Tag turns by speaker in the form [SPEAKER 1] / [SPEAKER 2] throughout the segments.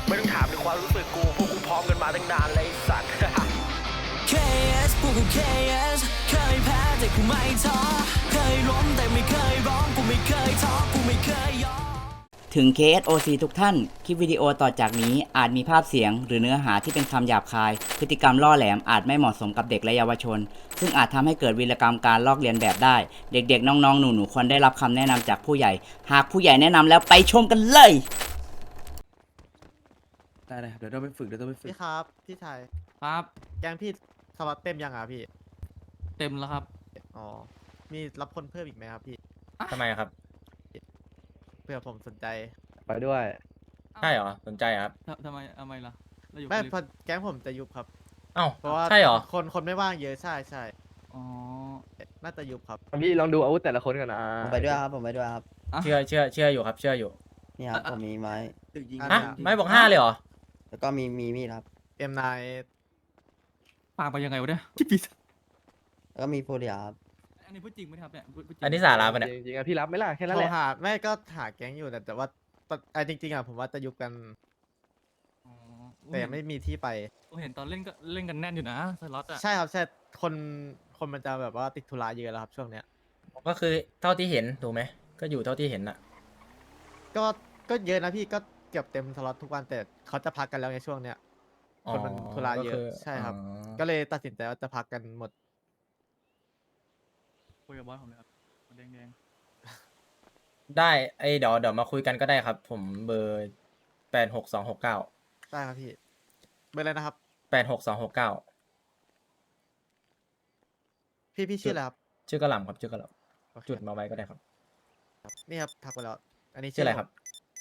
[SPEAKER 1] ไม่ต้องถามถึงความรู้สึกกูพวกกูพร้อมกันมาตั้งนานเลยไอ้สัตว์
[SPEAKER 2] KS พวกกู KS เคยแพ้แต่กูไม่ท้อเคยล้มแต่ไม่เคยร้องกูไม่เคยท้อกูไม่เคยยอม
[SPEAKER 3] ถึง KSOC ทุกท่าน คลิปวิดีโอต่อจากนี้อาจมีภาพเสียงหรือเนื้อหาที่เป็นคำหยาบคาย พฤติกรรมล่อแหลมอาจไม่เหมาะสมกับเด็กและเยาวชน ซึ่งอาจทำให้เกิดวีรกรรมการลอกเลียนแบบได้ เด็กๆ น้องๆ หนูๆ ควรได้รับคำแนะนำจากผู้ใหญ่ หากผู้ใหญ่แนะนำแล้วไปชมกันเลย
[SPEAKER 4] ได้เลยครับเดี๋ยวต้องไปฝึก
[SPEAKER 5] พี่ครับพี่ชาย
[SPEAKER 6] ครับ
[SPEAKER 5] แกงพี่สล็อตเต็มยังอ่ะพี่
[SPEAKER 6] เต็มแล้วครับ
[SPEAKER 5] อ๋อมีรับคนเพิ่มอีกไหมครับพี่
[SPEAKER 7] ทำไมครับ
[SPEAKER 5] เผื่อผมสนใจ
[SPEAKER 4] ไปด้วย
[SPEAKER 7] ใช่เหรอ สนใจเหรอครับ
[SPEAKER 6] ทำไมล่ะเราอยู่
[SPEAKER 5] ไม่
[SPEAKER 6] คน
[SPEAKER 5] พอแก๊งผมจะยุบครับ
[SPEAKER 7] เอ้า
[SPEAKER 5] เพราะว่า
[SPEAKER 7] ใช่เหรอ
[SPEAKER 5] คนไม่ว่างเยอะใช่
[SPEAKER 6] อ๋อ
[SPEAKER 5] น่าจะยุบครับ
[SPEAKER 4] พี่ลองดูอาวุธแต่ละคนกันนะ
[SPEAKER 8] ผมไปด้วยครับ ผมไปด้วยครับ
[SPEAKER 6] อ่ะ
[SPEAKER 7] เชื่ออยู่ครับ เชื่ออยู่
[SPEAKER 8] นี่ครับ ผมมีไม้
[SPEAKER 7] ฮะ ไม่บอก5เลยเหรอ
[SPEAKER 8] แล้วก็มีมีดครับ
[SPEAKER 5] M9
[SPEAKER 6] ปากไปยังไงวะเนี่ยพี่ปีศาจ
[SPEAKER 8] แล้วก็มีโฟเรียครับ
[SPEAKER 6] อันนี้พูดจริงไหมครับเนี่ยพูดจริง
[SPEAKER 7] อันนี้สาระปะเนี่ย
[SPEAKER 4] จริงๆอะพี่รับไหม่ล่ะแค่นั้น
[SPEAKER 5] โท
[SPEAKER 4] แห
[SPEAKER 5] ร
[SPEAKER 4] ละ
[SPEAKER 5] หาไม่ก็หาแก๊งอยู่แต่ว่าจริงๆอ่ะผมว่าจะยุบกัน
[SPEAKER 6] อ๋อ
[SPEAKER 5] แต่ยังไม่มีที่ไป
[SPEAKER 6] ผมเห็นตอนเล่นก็เล่นกันแน่นอยู่นะสล็อตอ่ะ
[SPEAKER 5] ใช่ครับใช่คนมันจะแบบว่าติดธุระเยอะแล้วครับช่วงเนี้ย
[SPEAKER 7] ก็คือเท่าที่เห็นถูกไหม ก็อยู่เท่าที่เห็นน่ะ
[SPEAKER 5] ก็เยอะนะพี่ก็เกือบเต็มสล็อตทุกวันแต่เขาจะพักกันแล้วในช่วงเนี้ย คนมันธุระเยอะ
[SPEAKER 7] ก็คื
[SPEAKER 5] ใช่ครับ
[SPEAKER 7] อ๋อ
[SPEAKER 5] ก็เลยตัดสินใจว่าจะพักกันหมด
[SPEAKER 6] คุยกับบอสผมเลยครับแดง
[SPEAKER 7] ได้เดี๋ยวมาคุยกันก็ได้ครับ ผมเบอร์86269
[SPEAKER 5] ได้ครับพี่เบอร์อะไรนะครับ
[SPEAKER 7] 86269
[SPEAKER 5] พี่ชื่ออะไรครับ
[SPEAKER 7] ชื่อกระหล่ำครับ ชื่อกระหล่
[SPEAKER 5] โอเค
[SPEAKER 7] ำจุดมาไว้ก็ได้ครับ
[SPEAKER 5] นี่ครับทักไปแล้ว อันนี้
[SPEAKER 7] ชื่ออะไรครับ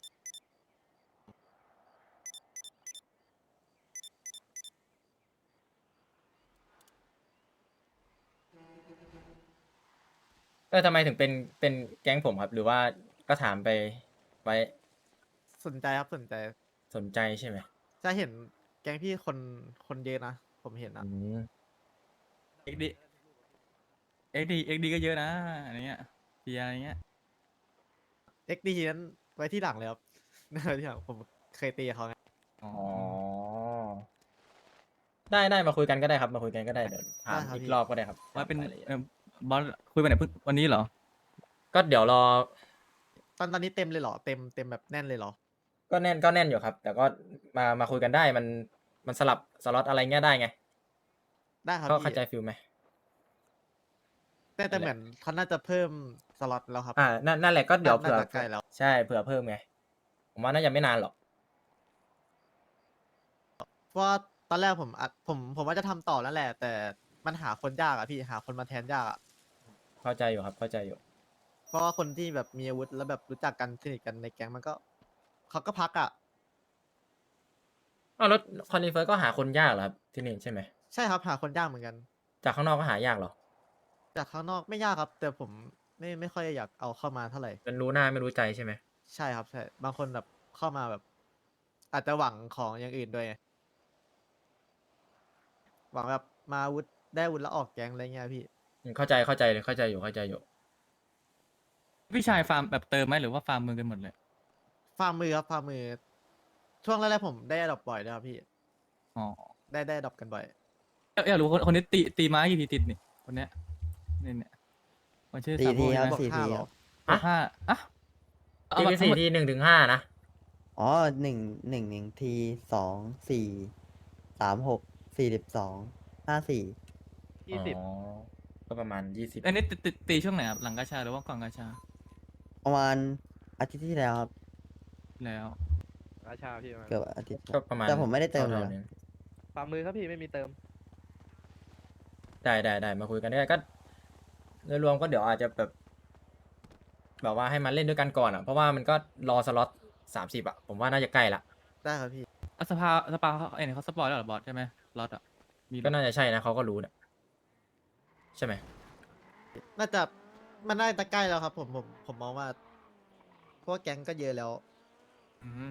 [SPEAKER 7] ทำไมถึงเป็นแก๊งผมครับ หรือว่าก็ถามไปไว้
[SPEAKER 5] สนใจครับสนใจ
[SPEAKER 7] สนใจใช่ไหม
[SPEAKER 5] จะเห็นแก๊งพี่คนเยอะนะ ผมเห็นนะ
[SPEAKER 7] อืม
[SPEAKER 6] ๆเอ็กดีก็เยอะนะอะไรเงี้ยเพียอะไรเงี้ย
[SPEAKER 5] XD นั้นไว้ที่หลังเลยครับ ที่หลังผมเคยตีกับเขาไง
[SPEAKER 6] อ๋อ
[SPEAKER 7] อ๋อ ได้มาคุยกันก็ได้ครับ มาคุยกันก็ได้เดี๋ยวถามอีกรอบก็ได้ครับ
[SPEAKER 6] ว่าเป็น
[SPEAKER 7] รยละอียด
[SPEAKER 6] บอสคุยไปไหนเพิ่งวันนี้เหรอ
[SPEAKER 7] ก็เดี๋ยวรอ
[SPEAKER 5] ตอนนี้เต็มเลยเหรอเต็มแบบแน่นเลยเหรอ
[SPEAKER 7] ก็แน่นอยู่ครับ แต่ก็มาคุยกันได้มันสลับสล็อตอะไรเงี้ยได้ไง
[SPEAKER 5] ได้ครับ
[SPEAKER 7] ก็
[SPEAKER 5] พี่
[SPEAKER 7] เข้าใจฟิลไหม
[SPEAKER 5] แต่เหมือนเขาน่าจะเพิ่มสล็อตแล้วครับ
[SPEAKER 7] นั่นแหละก็เดี๋ยวเผื่อ
[SPEAKER 5] น่าจะใกล้แล้ว
[SPEAKER 7] ใช่เผื่อเพิ่มไง ผมว่าน่าจะไม่นานหรอก
[SPEAKER 5] เพราะว่าตอนแรกผมว่าจะทำต่อแล้วแหละ แต่มันหาคนยากอะพี่หาคนมาแทนยากอะ
[SPEAKER 7] เข้าใจอยู่ครับ เข้าใจอยู่
[SPEAKER 5] เพราะว่าคนที่แบบมีอาวุธแล้วแบบรู้จักกันสนิทกันในแก๊งมันก็เขาก็พักอะ
[SPEAKER 7] อ้าวแล้วคอนดิเฟิร์ก็หาคนยากเหรอครับที่นี่ใช่ไหม
[SPEAKER 5] ใช่ครับหาคนยากเหมือนกัน
[SPEAKER 7] จากข้างนอกก็หายากเหรอ
[SPEAKER 5] จากข้างนอกไม่ยากครับ แต่ผมไม่ค่อยอยากเอาเข้ามาเท่าไหร่
[SPEAKER 7] เป็นรู้หน้าไม่รู้ใจใช่ไหม
[SPEAKER 5] ใช่ครับใช่บางคนแบบเข้ามาแบบ อาจจะหวังของอย่างอื่นด้วยไงหวังแบบมาอาวุธได้อาวุธแล้วออกแก๊งอะไรเงี้ยพี่
[SPEAKER 7] เข้าใจเลยเข้าใจอยู่
[SPEAKER 6] พี่ชายฟาร์มแบบเติมไหมหรือว่าฟาร์มมือกันหมดเลย
[SPEAKER 5] ฟาร์มมือครับฟาร์มมือ ช่วงแรกๆผมได้ดรอปบ่อยนะครับพี่
[SPEAKER 6] อ๋อ
[SPEAKER 5] ได้ดรอปกันบ่อย
[SPEAKER 6] อยากรู้คนนี้ตีไม้กี่ทีติดนี่คนเนี้ยเนี่ยคนชื่อ
[SPEAKER 8] 4
[SPEAKER 6] ซาโบ
[SPEAKER 8] ทีครับ
[SPEAKER 6] ใช่ไหม
[SPEAKER 8] 4 ที
[SPEAKER 5] 5
[SPEAKER 8] ครับ
[SPEAKER 6] บอกห้าอ่ะเอา
[SPEAKER 7] ที
[SPEAKER 6] มา
[SPEAKER 7] ที่
[SPEAKER 6] ทั้ง
[SPEAKER 7] สี่
[SPEAKER 6] หมด
[SPEAKER 7] ที่1 ถึง 5นะ
[SPEAKER 8] อ๋อ1 ที2 4 3 6 42 54
[SPEAKER 4] 20
[SPEAKER 7] อ๋อ ก็ประมาณ 20
[SPEAKER 6] อันนี้ตีช่วงไหนครับหลังกาชาหรือว่าก่อนกาชา
[SPEAKER 8] ประมาณอาทิตย์ที่แล้วครับ
[SPEAKER 6] แล้ว
[SPEAKER 4] ราชาพี่มา
[SPEAKER 8] เกือบอาทิตย์
[SPEAKER 7] ก็ประมาณ
[SPEAKER 8] แต่ผมไม่ได้เติมเลย
[SPEAKER 7] ท่า
[SPEAKER 8] นะ
[SPEAKER 7] นี้
[SPEAKER 4] ฝ่ามือครับพี่ไม่มีเติม
[SPEAKER 7] ได้มาคุยกันได้ก็โดยรวมก็เดี๋ยวอาจจะแบบว่าให้มันเล่นด้วยกันก่อนอ่ะ เพราะว่ามันก็รอสล็อต30อ่ะ ผมว่าน่าจะใกล้ละ
[SPEAKER 5] ได้ครับพี่
[SPEAKER 6] อ่ะสปาเขาเขาสปอยแล้วเหรอบอสใช่ไหมล็อตอ่ะมี
[SPEAKER 7] ก็น่าจะใช่นะเขาก็รู้นะใช่ไหม
[SPEAKER 5] น่าจะมันน่าจะใกล้แล้วครับ ผมมองว่าเพราะว่าแก๊งก็เยอะแล้ว
[SPEAKER 6] อืม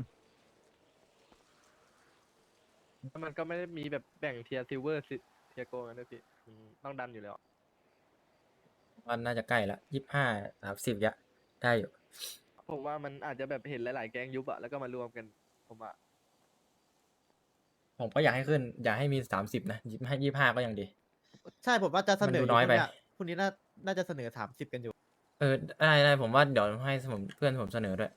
[SPEAKER 4] แล้วมันก็ไม่ได้มีแบบแบ่งเทียร์ซิลเวอร์เทียร์โกกันด้วยพี่ต้องดันอยู่แล้ว
[SPEAKER 7] ว่าน่าจะใกล้ละ25 30ยะได้อยู่
[SPEAKER 4] ผมว่ามันอาจจะแบบเห็นหลายๆแก๊งยุบอะแล้วก็มารวมกันผมอะ
[SPEAKER 7] ผมก็อยากให้ขึ้น อยากให้มี30นะให้25ก็ยังดี
[SPEAKER 5] ใช่ผมว่าจะเสนอ
[SPEAKER 7] มันดู
[SPEAKER 5] อยู่
[SPEAKER 7] น้อยไป
[SPEAKER 5] พรุ่งนี้น่าจะเสนอ30กันอยู่
[SPEAKER 7] ได้ผมว่าเดี๋ยวให้เพื่อนผมเสนอด้วย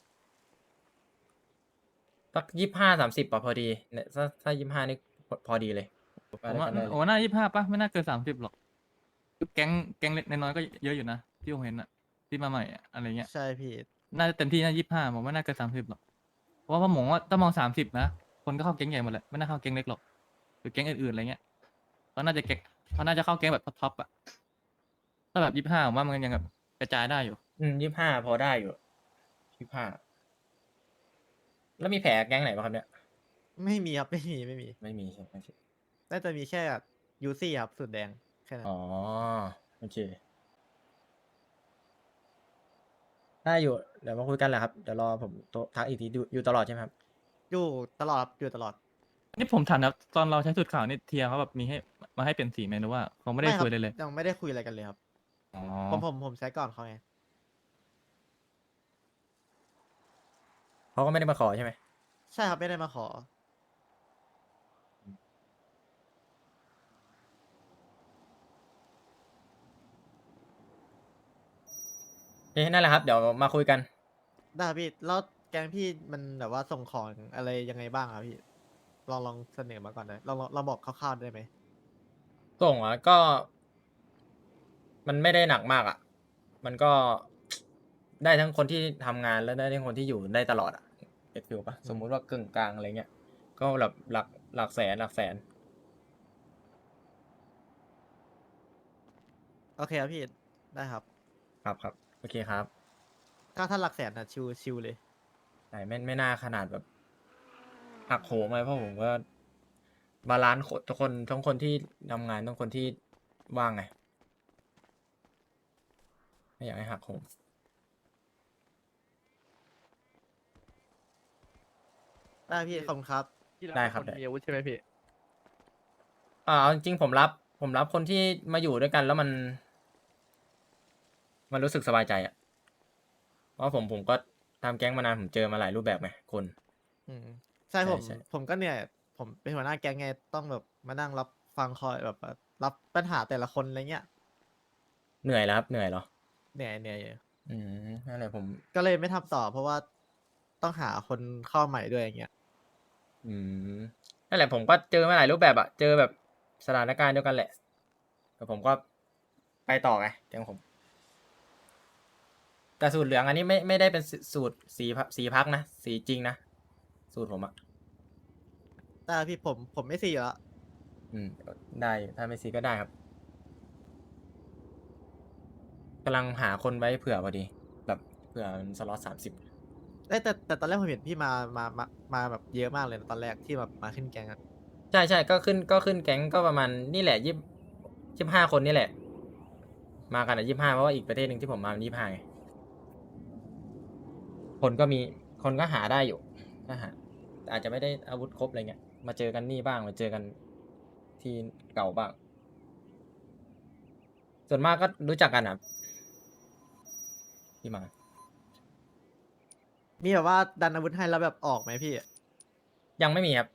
[SPEAKER 7] สัก25-30ป่ะพอดีเนี่ยถ้า25นี่พอดีเลย
[SPEAKER 6] ผมว่า
[SPEAKER 7] ไปด้วยกันได้เลย
[SPEAKER 6] โอ้หน้า25ป่ะไม่น่าเกิน30หรอกแก๊งเล็กน้อยๆก็เยอะอยู่นะที่ผมเห็นอะที่มาใหม่อะอะไรเงี้ย
[SPEAKER 5] ใช่พี่
[SPEAKER 6] น่าจะเต็มที่น่า25ผมว่าน่าเกิน30หรอกเพราะว่าผมว่าถ้ามอง30นะคนก็เข้าแก๊งใหญ่หมดแหละไม่น่าเข้าแก๊งเล็กหรอกหรือแก๊งอื่นๆอะไรเงี้ยเขาน่าจะเข้าแก๊งแบบท็อปๆอะถ้าแบบ25ผมว่ามันยังแบบกระจายได้อยู่
[SPEAKER 7] 25พอได้อยู่25แล้วมีแผลแก๊งไหนบ้างครับเนี่ย
[SPEAKER 5] ไม่มีครับไม่มี
[SPEAKER 7] ไม่มีใช่ไหม
[SPEAKER 5] น่าจะมีแค่ยูซี่ครับสุดแดงแค่นั้น
[SPEAKER 7] อ๋อโอเคได้อยู่เดี๋ยวมาคุยกันแหละครับเดี๋ยวรอผมทักอีกทีอยู่ตลอดใช่ไหมครับ
[SPEAKER 5] อยู่ตลอดครับอยู่ตลอด
[SPEAKER 6] นี่ผมถามนะตอนเราใช้สูตรขาวนี่เทียเขาแบบมีให้มาให้เปลี่ยนสีไหมหรือว่าเขาไม่ได้
[SPEAKER 5] ครับ
[SPEAKER 6] คุยเลยเลย
[SPEAKER 5] ยังไม่ได้คุยอะไรกันเลยครับ
[SPEAKER 6] อ๋อ
[SPEAKER 5] ผมใช้ก่อนเขาไง
[SPEAKER 7] เขาก็ไม่ได้มาขอใช่ไหม
[SPEAKER 5] ใช่ครับไม่ได้มาขอ
[SPEAKER 7] โอเคนั่นแหละครับเดี๋ยวมาคุยกัน
[SPEAKER 5] ได้ครับพี่แล้วแก๊งพี่มันแบบว่าส่งของอะไรยังไงบ้างครับพี่ลองเสนอมาก่อนได้ลองบอกคร่าวๆได้ไหม
[SPEAKER 7] ส่งก็ มันไม่ได้หนักมากอ่ะ มันก็ ได้ทั้งคนที่ทำงานแล้วได้ทั้งคนที่อยู่ได้ตลอดอ่ะเก็ตฟิลปะสมมุติว่ากึ่งกลางอะไรเงี้ยก็แบบหลักแสน
[SPEAKER 5] โอเคครับพี่ได้ครับ
[SPEAKER 7] ครับโอเคครับ
[SPEAKER 5] ถ้าหลักแสนนะชิวเลย
[SPEAKER 7] แต่ไม่น่าขนาดแบบหักโหมเลยเพราะผมก็บาลานซ์ทุกคนทั้งคนที่ทำงานทั้งคนที่ว่างไงไม่อยากให้หักโหม
[SPEAKER 5] ได้พี่ขอบคุณครับ
[SPEAKER 4] ที่
[SPEAKER 7] ได้ครับ
[SPEAKER 4] น
[SPEAKER 7] ได้
[SPEAKER 4] มีอาวุธใช่ไหมพี่
[SPEAKER 7] เอาจริงๆผมรับคนที่มาอยู่ด้วยกันแล้วมันรู้สึกสบายใจอ่ะเพราะผมก็ทำแก๊งมานานผมเจอมาหลายรูปแบบไงคน
[SPEAKER 5] อืมใช่
[SPEAKER 7] ใช่
[SPEAKER 5] ผมก็เนี่ยผมเป็นหัวหน้าแก๊งไงต้องแบบมานั่งรับฟังคอยแบบรับปัญหาแต่ละคนอะไรเงี้ย
[SPEAKER 7] เหนื่อยแล้วครับเหนื่อยเหรอ
[SPEAKER 5] เหนื่อยอยู่
[SPEAKER 7] นั่นแหละผม
[SPEAKER 5] ก็เลยไม่ทำต่อ เพราะว่าต้องหาคนเข้าใหม่ด้วยอย่างเงี้ย
[SPEAKER 7] นั่นแหละผมก็เจอมาหลายรูปแบบอะเจอแบบสถานการณ์เดียวกันแหละแต่ผมก็ไปต่อไงแก๊งผม แต่สูตรเหลืองอันนี้ไม่ได้เป็นสูตรสีพักนะสีจริงนะสูตรผมอะ
[SPEAKER 5] แต่พี่ผมไม่ซีอยู่แล้ว
[SPEAKER 7] ได้ถ้าไม่ซีก็ได้ครับกำลังหาคนไว้เผื่อพอดี แบบเผื่อมันสล็อต30
[SPEAKER 5] แต่ตอนแรกผมเห็นพี่มาแบบเยอะมากเลยนะตอนแรกที่แบบมาขึ้นแกงอะ
[SPEAKER 7] ใช่ก็ขึ้นแก๊งก็ประมาณนี่แหละ25 คนนี่แหละ มากัน25เพราะว่าอีกประเทศหนึ่งที่ผมมามัน25ไงคนก็หาได้อยู่ก็หาอาจจะไม่ได้อาวุธครบอะไรเงี้ยมาเจอกันนี่บ้างมาเจอกันที่เก่าบ้าง ส่วนมากก็รู้จักกันอ่ะที่มา
[SPEAKER 5] มีแบบว่าดันอาวุธให้แล้วแบบออกไหมพี่
[SPEAKER 7] ยังไม่มีครับ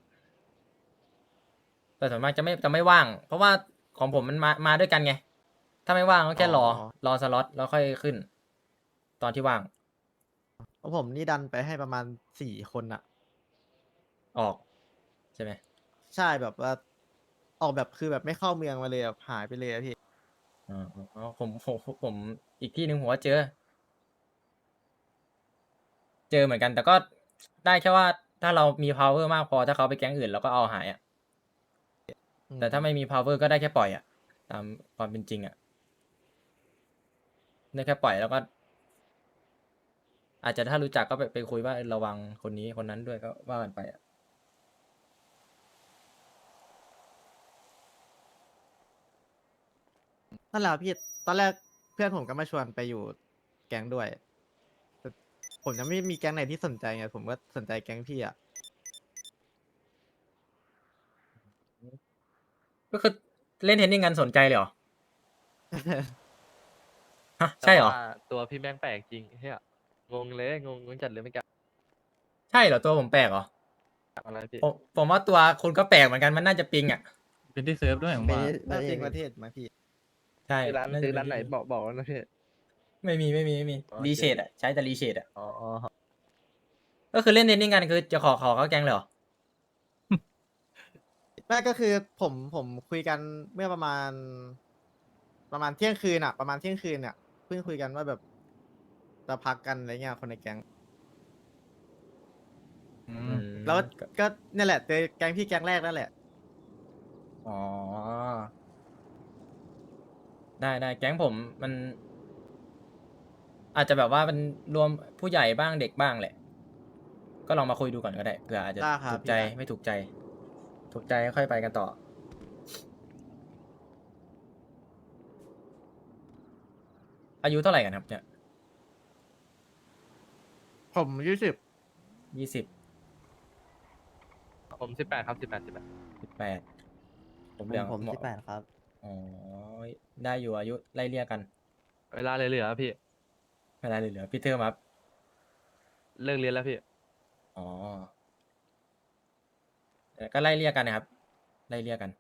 [SPEAKER 7] แต่ส่วนมากจะไม่ว่าง เพราะว่าของผมมันมาด้วยกันไง ถ้าไม่ว่างก็แค่รอสล็อตแล้วค่อยขึ้น ตอนที่ว่าง
[SPEAKER 5] เพราะผมนี่ดันไปให้ประมาณ4 คนอะ
[SPEAKER 7] ออกใช่ไหม
[SPEAKER 5] ใช่แบบว่าออกแบบคือแบบไม่เข้าเมืองมาเลยแบบหายไปเลยอะพี่
[SPEAKER 7] อ๋อผมอีกที่หนึ่งผมว่าเจอเหมือนกัน แต่ก็ได้แค่ว่าถ้าเรามี power มากพอถ้าเขาไปแก๊งอื่นเราก็เอาหายอ่ะ แต่ถ้าไม่มี power ก็ได้แค่ปล่อยอ่ะ ตามความเป็นจริงอ่ะ ได้แค่ปล่อยแล้วก็ อาจจะถ้ารู้จักก็ไปคุยว่าระวังคนนี้คนนั้นด้วยก็ว่ากันไปอ่ะ
[SPEAKER 5] นั่นแหละพี่ตอนแรกเพื่อนผมก็มาชวนไปอยู่แก๊งด้วยแต่ผมยังไม่มีแก๊งไหนที่สนใจไงผมก็สนใจแก๊งพี่อะ
[SPEAKER 7] ก็คือเล่นเทนนิสกันสนใจเลยเหรอ ฮะใช่เหรอ
[SPEAKER 4] แต่ว่าตัวพี่แม่งแปลกจริงเฮียงงเลยงงจัดเลยไม่กล้า
[SPEAKER 7] ใช่เหรอตัวผมแปลกเหรอ
[SPEAKER 4] อะไรพี่
[SPEAKER 7] ผมว่าตัวคุณก็แปลกเหมือนกันมันน่าจะปิงอ่ะ
[SPEAKER 6] เป็นที่เซิร์ฟด้วยผม
[SPEAKER 8] ไม่
[SPEAKER 6] ว่า
[SPEAKER 8] ได้
[SPEAKER 5] น่า
[SPEAKER 8] ไม่
[SPEAKER 5] จริงป
[SPEAKER 8] ได้
[SPEAKER 5] ระเทศไหมพี่
[SPEAKER 7] ใช่
[SPEAKER 4] ซื้อ
[SPEAKER 7] เป็
[SPEAKER 4] ร้านไหน
[SPEAKER 7] ที่
[SPEAKER 4] บอกนะพี่
[SPEAKER 7] ไม่มี
[SPEAKER 4] อ๋อ
[SPEAKER 7] รีเชดอ่ะใช้แต่รีเชดอ่ะ
[SPEAKER 4] อ๋อ
[SPEAKER 7] ก็คือเล่นเทนนิงกันคือจะขอเข้าแก๊งเลยเหรอ
[SPEAKER 5] ไม่ก็คือผมคุยกันเมื่อประมาณเที่ยงคืนอะประมาณเที่ยงคืนเนี่ยเพิ่งคุยกันว่าแบบจะพักกันอะไรเงี้ยคนในแก๊ง
[SPEAKER 6] อื
[SPEAKER 7] อื
[SPEAKER 6] ม
[SPEAKER 7] ม
[SPEAKER 5] แล้วก็นี่แหละเจอแก๊งพี่แก๊งแรกนั่นแหละ
[SPEAKER 7] อ๋อได้แก๊งผมมัน อาจจะแบบว่ามันรวมผู้ใหญ่บ้างเด็กบ้างแหละ ก็ลองมาคุยดูก่อนก็ได้เผื่ออาจจะ
[SPEAKER 5] ได้ครับ
[SPEAKER 7] ถูกใจ
[SPEAKER 5] พี่ได้
[SPEAKER 7] ไม่ถูกใจ ถูกใจก็ค่อยไปกันต่อ อายุเท่าไหร่กันครับเนี่ย
[SPEAKER 5] ผม20
[SPEAKER 7] 20
[SPEAKER 4] ผม18ครับ18
[SPEAKER 7] 18ผมเหลือง
[SPEAKER 8] ผม
[SPEAKER 7] เหมาะ
[SPEAKER 8] 18ครับ
[SPEAKER 7] อ๋อได้อยู่อายุไล่เลี่ยกัน
[SPEAKER 4] เวลาเหลือๆพี่
[SPEAKER 7] ไม่ได้เลยเหลือพี่เทอร์มครับ
[SPEAKER 4] เลิกเรียนแล้วพี่
[SPEAKER 7] อ๋อแต่ก็ไล่เลี่ยกันนะครับ ไล่เลี่ยกัน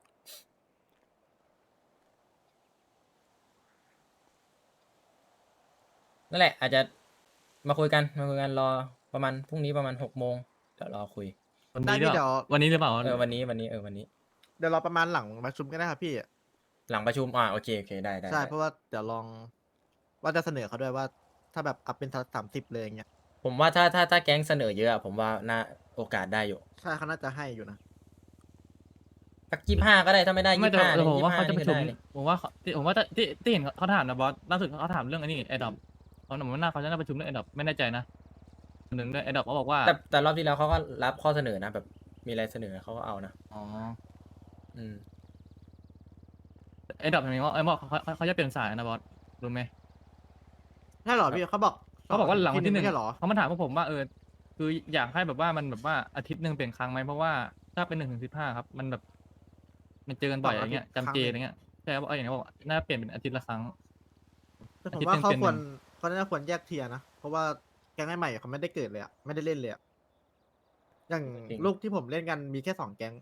[SPEAKER 7] นั่นแหละ อาจจะมาคุยกันรอประมาณพรุ่งนี้ประมาณ6 โมงเดี๋ยวรอคุย
[SPEAKER 6] วัน
[SPEAKER 5] ได้
[SPEAKER 6] นี้หรือ
[SPEAKER 5] พี่
[SPEAKER 6] เปล่า
[SPEAKER 5] เดี๋ยว
[SPEAKER 6] วันนี้หรือเปล่า
[SPEAKER 7] วันนี้
[SPEAKER 5] เดี๋ยวเราประมาณหลังประชุมก็ได้ครับพี่
[SPEAKER 7] หลังประชุมโอเคได้
[SPEAKER 5] ใช่เพราะว่าเดี๋ยวลองว่าจะเสนอเขาด้วยว่าถ้าแบบอัพเป็น30เลยอย่างเงี้ย
[SPEAKER 7] ผมว่าถ้าแก๊งเสนอเยอะอะผมว่าน่าโอกาสได้อยู่
[SPEAKER 5] ใช่เขาน่าจะให้อยู่นะ
[SPEAKER 7] สัก25ก็ได้ถ้าไม่ได้
[SPEAKER 6] ไม่แต่
[SPEAKER 7] 25
[SPEAKER 6] แต่
[SPEAKER 7] เนี่ย
[SPEAKER 6] ผมว่าเขาจะ
[SPEAKER 7] 25
[SPEAKER 6] ประชุม
[SPEAKER 7] นี่ก็ได้เลย
[SPEAKER 6] ผมว่าที่เห็นเขาถามนะบอสล่าสุดเขาถามเรื่องอันนี้ไอ้ดอปเขาหนุ่มว่าเขาจะน่าประชุมเรื่องไอ้ดอปไม่แน่ใจนะหนึ่งด้วยไอ้ดอปเขาบอกว่า
[SPEAKER 7] แต่รอบที่แล้วเขาก็รับข้อเสนอนะแบบมีอะไรเสนอเขาก็เอานะ
[SPEAKER 6] อ๋อ
[SPEAKER 7] อืม
[SPEAKER 6] ไอ้ดอปเห็นไหมว่าไอ้บอกเขาจะเปลี่ยนสายนะบอสรู้ไหม
[SPEAKER 5] ใช่เหรอพี่เขาบอก
[SPEAKER 6] เขาบอกว่าหลังวันที่หนึ่ง
[SPEAKER 5] ไม่ใช่เหรอ
[SPEAKER 6] เขามาถามพวกผมว่าคืออยากให้แบบว่ามันแบบว่าอาทิตย์หนึ่งเปลี่ยนครั้งไหมเพราะว่าถ้าเป็น1 ถึง 15ครับมันแบบมันเจอกันบ่อยอย่างเงี้ยจำเจอะไรเงี้ยใช่ครับอย่างนี้บอกว่าน่าเปลี่ยนเป็นอาทิตย์ละครั้ง
[SPEAKER 5] แต่ผม
[SPEAKER 6] อาทิตย์
[SPEAKER 5] ว่า
[SPEAKER 6] หนึ่ง
[SPEAKER 5] เขา
[SPEAKER 6] เปลี่ยน
[SPEAKER 5] ควร
[SPEAKER 6] หนึ่ง
[SPEAKER 5] เขาน่าควรแยกเทียร์นะ เพราะว่าแก๊งใหม่ๆเขาไม่ได้เกิดเลยอะไม่ได้เล่นเลยอะอย่าง
[SPEAKER 7] จริง
[SPEAKER 5] ลูกที่ผมเล่นกันมีแค่2 แก๊ง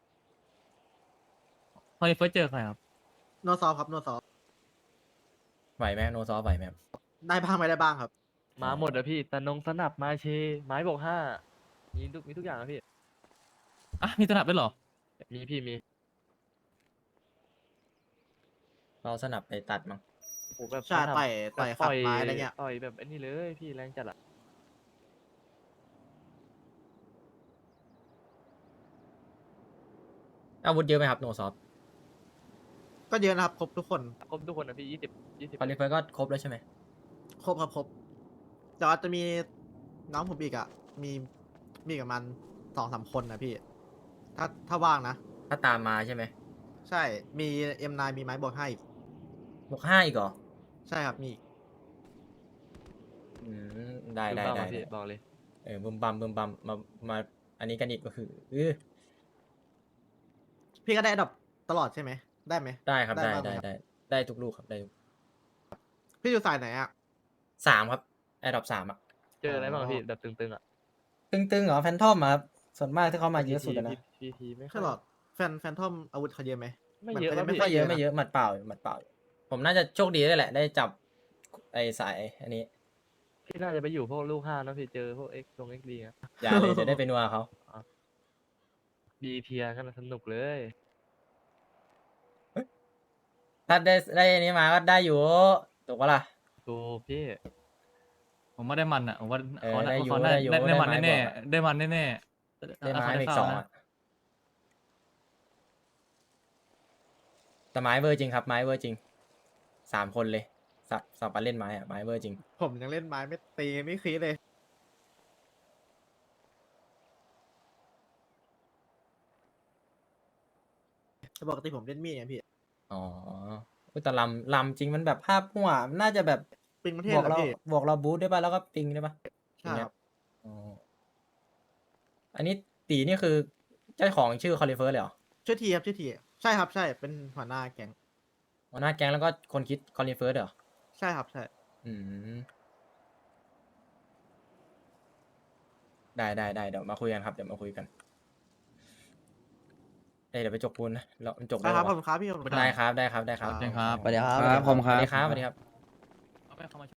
[SPEAKER 6] พอเฟิร์สเจอใครครับ
[SPEAKER 5] โนซอฟครับโนซอฟ
[SPEAKER 7] ไหวไหมโนซอฟไหวไหมครับ
[SPEAKER 5] ได้บ้างไม่ได้บ้างครับ
[SPEAKER 4] มาหมดอะพี่แต่นงสนับมาเช ไม้บวก5มีทุกอย่างนะพี่
[SPEAKER 6] อ่ะมีตนับด้วยเหรอ
[SPEAKER 4] มีพี่มี
[SPEAKER 7] เราสนับไปตัดมั้ง
[SPEAKER 4] โอ้แบบ
[SPEAKER 5] ใช่
[SPEAKER 4] สนับ
[SPEAKER 5] ต่อย
[SPEAKER 4] แบบ
[SPEAKER 5] ขัดไม้อะไรเงี้ย
[SPEAKER 4] ต่อยแบบไอ้นี่เลยพี่แรงจัดอะ
[SPEAKER 7] อาวุธเยอะไหมครับโนซอฟ
[SPEAKER 5] ก็เยอะนะครับ ครบทุกคน
[SPEAKER 4] ครบทุกคนนะพี่20
[SPEAKER 7] คอลิเฟอร์ก็ครบแล้วใช่ไหม
[SPEAKER 5] ครบครับครบแต่ว่าจะมีน้องผมอีกอะมีกับมัน2-3 คนนะพี่ ถ้าว่างนะ
[SPEAKER 7] ถ้าตามมาใช่ไหม
[SPEAKER 5] ใช่ มี M9 มีไม้บวก5อีก
[SPEAKER 7] บวก5อีกเหรอ
[SPEAKER 5] ใช่ครับ มีอีก
[SPEAKER 7] อืมได้
[SPEAKER 4] บึ้ม
[SPEAKER 7] ได้
[SPEAKER 4] บ้าม
[SPEAKER 7] ได้
[SPEAKER 4] อะพี่บอกเลย
[SPEAKER 7] บึมบัมมาอันนี้กันอีกก็คือ
[SPEAKER 5] พี่ก็ได้อันดับตลอดใช่ไหม ได้ไหม
[SPEAKER 7] ได้ครับได้
[SPEAKER 5] บ้างหมครับ
[SPEAKER 7] ได้ทุกลูกครับได้ทุก
[SPEAKER 5] พี่อยู่สายไหนอะ
[SPEAKER 7] 3ครับแอร์ดรอป3อ่ะ
[SPEAKER 4] เจออะไรบ้างอะพี่แบบตึงๆอะ
[SPEAKER 7] ตึงเหรอแฟนทอมครับส่วนมากที่เขามาเยอะสุดอะนะ
[SPEAKER 4] พีไม่ค่
[SPEAKER 5] ใช่
[SPEAKER 4] อย
[SPEAKER 5] หรอแฟนทอมอาวุธเขาเยอะไหม
[SPEAKER 4] ไม่เยอะ
[SPEAKER 5] มัน
[SPEAKER 4] ป่ะ
[SPEAKER 5] ก็
[SPEAKER 4] พี่
[SPEAKER 5] ยัง
[SPEAKER 7] ไม่เยอะหมัดเปล่าผมน่าจะโชคดีด้วยแหละ ได้จับไอ้สายอันนี้
[SPEAKER 4] พี่น่าจะไปอยู่พวกลูก5นะพี่เจอพวก X ตรง XD อะ
[SPEAKER 7] อย่าเลยจะได้ไปนัวเขา
[SPEAKER 4] ดีเทียกันสนุกเลย
[SPEAKER 7] ถ้าได้อันนี้มาก็ได้อยู่ถูกปะล่ะ
[SPEAKER 4] ดูพี่
[SPEAKER 6] ผมว่าได้มันอ่ะผมว่า
[SPEAKER 7] เออ
[SPEAKER 6] เขา
[SPEAKER 7] ได้อยู่
[SPEAKER 6] เขา
[SPEAKER 7] ได้อยู่
[SPEAKER 6] ได้มัน
[SPEAKER 7] ได้ไม้
[SPEAKER 6] แน่
[SPEAKER 7] บอกอะ
[SPEAKER 6] ๆได้มันแน่ๆ
[SPEAKER 7] ได้ไม้
[SPEAKER 6] เขา
[SPEAKER 7] อีก
[SPEAKER 6] เข้า
[SPEAKER 7] 2
[SPEAKER 6] นะ
[SPEAKER 7] อ่ะแต่ไม้เวอร์จริงครับไม้เวอร์จริง3 คนเลยสับปะเล่นไม้อะไม้เวอร์จริง
[SPEAKER 5] ผมยังเล่นไม้ไม่ตีไม่คีเลย แต่ปกติผมเล่นมีดไงพี่
[SPEAKER 7] อ๋ออุ๊ยแต่ลำจริงมันแบบภาพหัวมันน่าจะแบบ
[SPEAKER 5] ปิงประเท
[SPEAKER 7] บ
[SPEAKER 5] ศ
[SPEAKER 7] วก
[SPEAKER 5] เหรอ
[SPEAKER 7] เรา
[SPEAKER 5] พี่
[SPEAKER 7] บวกเราบูทได้ป่ะแล้วก็ปิงได้ป่ะ
[SPEAKER 5] ใช่ครับ
[SPEAKER 7] อ๋ออันนี้ตีนี่คือเจ้าของชื่อคอลิเฟอร์เลยเหรอ
[SPEAKER 5] ชื่อทีครับชื่อทีใช่ครับใช่เป็นหัวหน้าแก๊ง
[SPEAKER 7] หัวหน้าแก๊งแล้วก็คนคิดคอลิเฟอร์เหรอ
[SPEAKER 5] ใช่ครับใช่
[SPEAKER 7] อืมได้เดี๋ยวมาคุยกันครับเดี๋ยวมาคุยกันเดี๋ยวไปจกปูนนะเราจก
[SPEAKER 5] ได้ครับ
[SPEAKER 7] วะ
[SPEAKER 5] ผมครับพี่ผม
[SPEAKER 7] ได้ครับได้ครับได้ครับ
[SPEAKER 6] เจงครับ
[SPEAKER 8] สวัสดีครับ
[SPEAKER 7] สวัสดีครับสวัสดีครับ
[SPEAKER 6] เอาไปเข้ามา